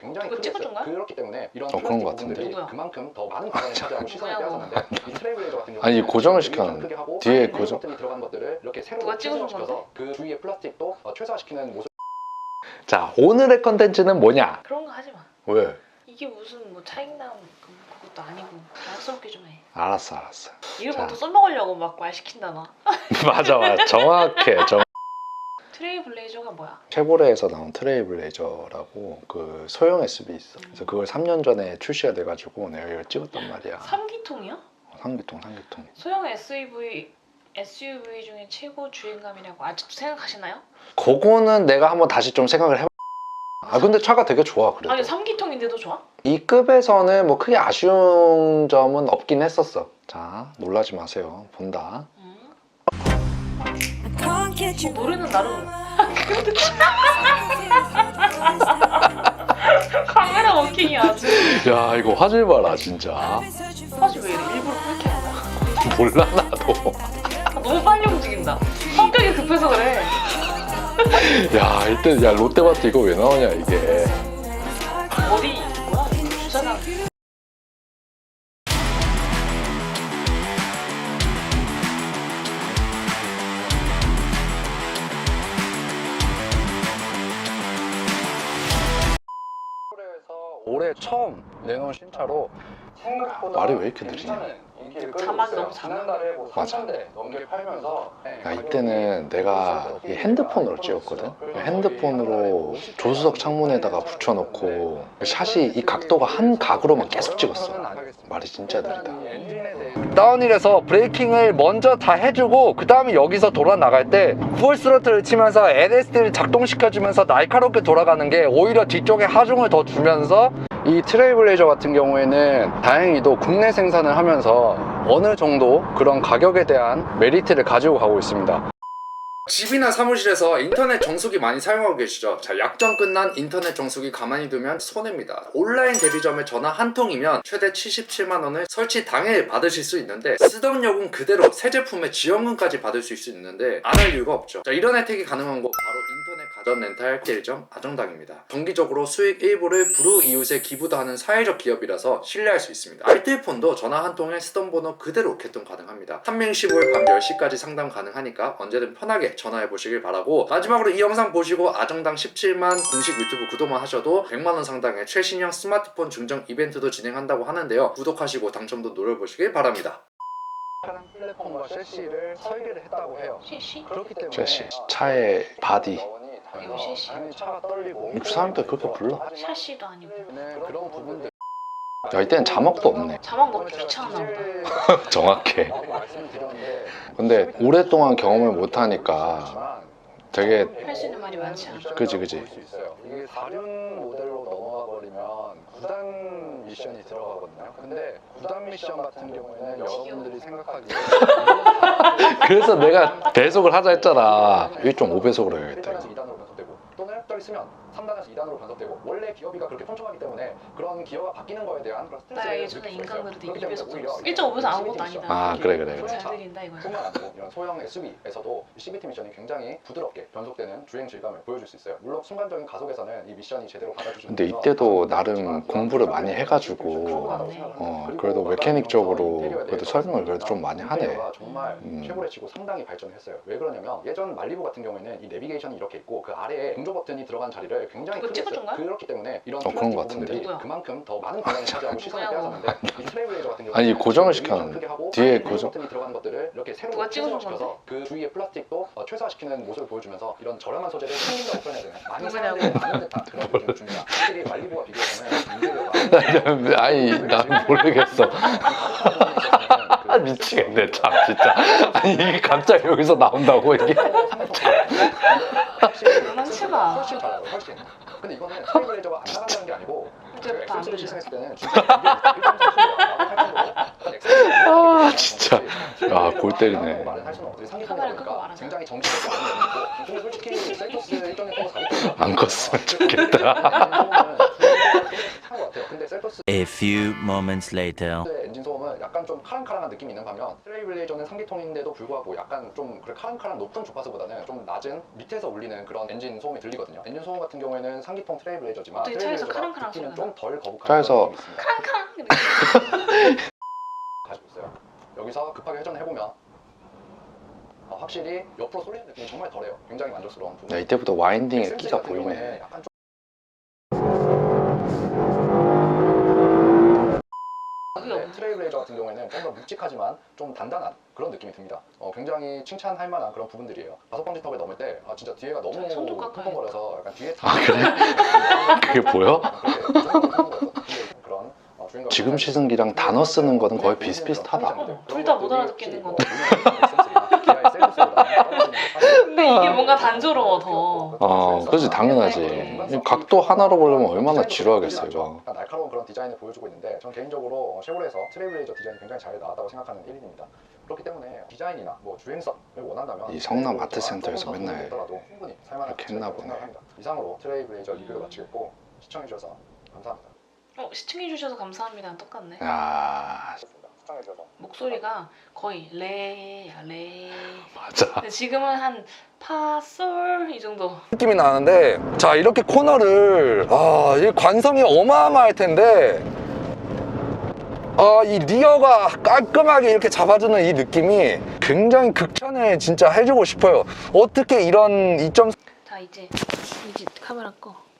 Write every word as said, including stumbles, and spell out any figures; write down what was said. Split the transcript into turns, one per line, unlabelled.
굉장히
그거 찍어준 거야?
그렇기 때문에 이런
어, 그런 거 같은데.
누구야?
그만큼 더 많은 공간을 차지하고 시선을 빼앗았는데 이 트레이블레이저 같은 경우는
아니, 고정을
좀
시켰는데.
크게 하고
뒤에
하이브리드
고정.
버튼이 들어간 것들을 이렇게 세로
누가 찍어준
최소화시켜서 그 주위의 플라스틱도 어, 최소화시키는 모습.
자, 오늘의 컨텐츠는 뭐냐?
그런 거 하지 마.
왜?
이게 무슨 뭐 차익남 그- 그것도 아니고 자연스럽게 좀 해.
알았어, 알았어.
이걸
자.
뭐또 써먹으려고 막 말 시킨다 너.
맞아, 맞아. 정확해. 정...
트레이블레이저가 뭐야?
쉐보레에서 나온 트레이블레이저라고 그 소형 에스유브이 있어. 그래서 그걸 삼 년 전에 출시가 돼가지고 내가 이걸 찍었단 말이야.
삼기통이야?
삼기통, 삼기통.
소형 에스유브이 에스유브이 중에 최고 주행감이라고 아직도 생각하시나요?
그거는 내가 한번 다시 좀 생각을 해봐. 아 근데 차가 되게 좋아 그래도.
아니 삼기통인데도 좋아?
이 급에서는 뭐 크게 아쉬운 점은 없긴 했었어. 자, 놀라지 마세요. 본다.
응. 어, 노래는 나름 카메라 워킹이 아주.
야, 이거 화질 봐라 진짜.
사실 왜 이래? 일부러 그렇게 하는 거야?
몰라 나도.
너무 빨리 움직인다. 성격이 급해서 그래.
야, 이때 야 롯데마트 이거 왜 나오냐 이게.
어디 뭐야? 주차장.
올해 처음 내놓은 신차로
생각보다
말이 왜 이렇게 느리냐?
괜찮은 인기를 끌고
자막이
있어요.
너무 작아.
지난달에 뭐
맞아.
삼천 대 넘게 팔면서
야, 이때는 내가 이 핸드폰으로 찍었거든. 핸드폰으로 조수석 창문에다가 붙여놓고 샷이 이 각도가 한 각으로만 계속 찍었어. 말이 진짜 느리다. 다운힐에서 브레이킹을 먼저 다 해주고 그 다음에 여기서 돌아 나갈 때 풀 스로틀을 치면서 엘에스디를 작동시켜주면서 날카롭게 돌아가는 게 오히려 뒤쪽에 하중을 더 주면서 이 트레이블레이저 같은 경우에는 다행히도 국내 생산을 하면서 어느 정도 그런 가격에 대한 메리트를 가지고 가고 있습니다. 집이나 사무실에서 인터넷 정수기 많이 사용하고 계시죠? 자, 약정 끝난 인터넷 정수기 가만히 두면 손해입니다. 온라인 대리점에 전화 한 통이면 최대 칠십칠만 원을 설치 당일 받으실 수 있는데 쓰던 요금 그대로 새 제품의 지원금까지 받을 수 있는데 안 할 이유가 없죠. 자, 이런 혜택이 가능한 곳 바로 인터넷 가전 렌탈 대리점 아정당입니다. 정기적으로 수익 일부를 불우이웃에 기부도 하는 사회적 기업이라서 신뢰할 수 있습니다. 알뜰폰도 전화 한 통에 쓰던 번호 그대로 개통 가능합니다. 한명십오일 밤 열 시까지 상담 가능하니까 언제든 편하게 전화해 보시길 바라고, 마지막으로 이 영상 보시고 아정당 십칠만 공식 유튜브 구독만 하셔도 백만 원 상당의 최신형 스마트폰 증정 이벤트도 진행한다고 하는데요. 구독하시고 당첨도 노려보시길 바랍니다. 차량 플랫폼과 셰시를 설계를 했다고 해요.
시시?
그렇기 때문에
셰시, 차의 바디.
이거 셰시.
당연히 차가 떨리고
사람들 그렇게 불러?
샤시도 아니고.
그런 부분들
야, 이때는 자막도 없네.
자막 너무 귀찮았나 보다.
정확해.
말씀드렸는데
근데 오랫동안 경험을 못하니까 되게
할 수 있는 말이 많지 않아.
그지, 그지.
볼수 있어요. 이게 사륜 모델로 넘어가 버리면 구단 미션이 들어가거든요. 근데 구단 미션 같은 경우에는 여러분들이 생각하기에
그래서 내가 배속을 하자 했잖아. 일 점 오 배속으로 해야겠다.
일 단에서 이 단으로 변속되고 또는 떠 있으면 삼 단에서 이 단으로 변속되고, 원래 기어비가 그렇게 촘촘하기 때문에 그런 기어가 바뀌는 거에 대한 그런
나
스트레스를
예전에
느낄 수가
인간
있어요.
그래도
그렇기
이 배속
때문에 오히려
일 점 오 배속 아무것도 아니다.
아, 그래, 그래, 그래.
잘 들린다 이거야.
뿐만 아니고 이런 소형 에스유브이에서도 씨비티 미션이 굉장히 부드럽게 변속되는 주행 질감을 보여줄 수 있어요. 물론 순간적인 가속에서는 이 미션이 제대로 받아주시는
근데 이때도 나름 공부를 많이 해가지고 어 그래도 메케닉적으로 그래도 설명을 그래도 좀 많이 하네.
정말
음.
최고래 치고 상당히 발전했어요. 왜 그러냐면 예전 말리부 같은 경우에는 이 내비게이션이 이렇게 있고 그 아래에 공조 버튼이 들어간 자리를 굉장히
그거
크게
찍어준
했어요.
거야?
그렇기 때문에 이런
어, 그런
플라스틱
거 같은데.
부분들이
누구야?
그만큼 더 많은 공간을 차지하고 시선을
누구야?
빼앗았는데 이 트레이블레이저 같은 경우는
아니, 고정을
내비게이션
시켰는데.
크게 하고
뒤에
하이브리드
고정.
버튼이 들어간 것들을 이렇게 세로
누가 찍어준
최소화시켜서 그 주위의 플라스틱도 어, 최소화시키는 모습을 보여주면서 이런 저렴한 소재를 챙긴다고 표현해야 되나? 많이
누구냐고.
사람들이 많은 듯한 그런 느낌이 줍니다. 확실히 말리부와 비교해서는 문제가
아니 난 모르겠어. 아, 미치겠네 참 진짜. 아니 이게 갑자기 여기서 나온다고 이게.
장난치마.
훨씬 잘해요, 훨씬. 근데 이거는 트레이블레이저가 안 나간다는 게 아니고
이제부터 안
엑셀을
되죠.
시승했을 때는 진짜 일 점 삼
아 진짜. 야, 골 때리네.
카메라 끄고 말하자.
굉장히 정치적인 면이 있고, 근데 솔직히 셀토스 일종의 통로 사기 때문에
안 컸으면 좋겠다.
근데 셀토스
A few moments later.
엔진 소음은 약간 약간 좀 카랑카랑한 느낌이 있는 반면 트레일블레이저는 삼 기통인데도 불구하고 약간 좀 그래 카랑카랑 높은 주파수보다는 좀 낮은 밑에서 울리는 그런 엔진 소음이 들리거든요. 엔진 소음 같은 경우에는 삼 기통 트레일블레이저지만
어떻게 차에서
트레일블레이저가
카랑카랑
듣기는
소리가
좀 덜 거북한
차에서
그런 느낌이 있습니다.
카랑카랑 이렇게.
가지고 있어요. 여기서 급하게 회전을 해보면 어, 확실히 옆으로 쏠리는 느낌이 정말 덜해요. 굉장히 만족스러운 부분.
네, 이때부터 와인딩의
엑스엠씨
끼가
같은
보이네.
경우에는 약간 좀
그게
네,
없네.
트레일블레이저 같은 경우에는 좀 더 묵직하지만 좀 단단한 그런 느낌이 듭니다. 어, 굉장히 칭찬할 만한 그런 부분들이에요. 다섯 번째 턱을 넘을 때 아, 진짜 뒤에가 너무
손 좀 깎아야겠다.
펑펑거려서 약간 뒤에
아, 그래? 그게 보여?
그런 어, 주행감
지금 시승기랑 단어 쓰는 거는 거의 비슷비슷하다.
어, 둘다못 알아듣겠는 건데.
근데
이게 뭔가 단조로워, 더.
어, 그렇지, 당연하지. 이 각도 하나로 보려면 얼마나 지루하겠어, 이거.
날카로운 그런 디자인을 보여주고 있는데 저는 개인적으로 쉐보레에서 트레일블레이저 디자인이 굉장히 잘 나왔다고 생각하는 일 인입니다. 그렇기 때문에 디자인이나 뭐 주행성을 원한다면
이 성남 아트센터에서 맨날
충분히 살만한
이렇게 했나
가치가 있다고
보네.
생각합니다. 이상으로 트레일블레이저 리뷰를 마치겠고 시청해주셔서 감사합니다.
어, 시청해주셔서 감사합니다. 똑같네.
야,
시청해주셔서
목소리가 거의 레야 레.
맞아.
근데 지금은 한 파솔 이 정도.
느낌이 나는데 자 이렇게 코너를 아, 이 관성이 어마어마할 텐데 아, 이 리어가 깔끔하게 이렇게 잡아주는 이 느낌이 굉장히 극찬을 진짜 해주고 싶어요. 어떻게 이런 이점
자 이제 이제 카메라 꺼.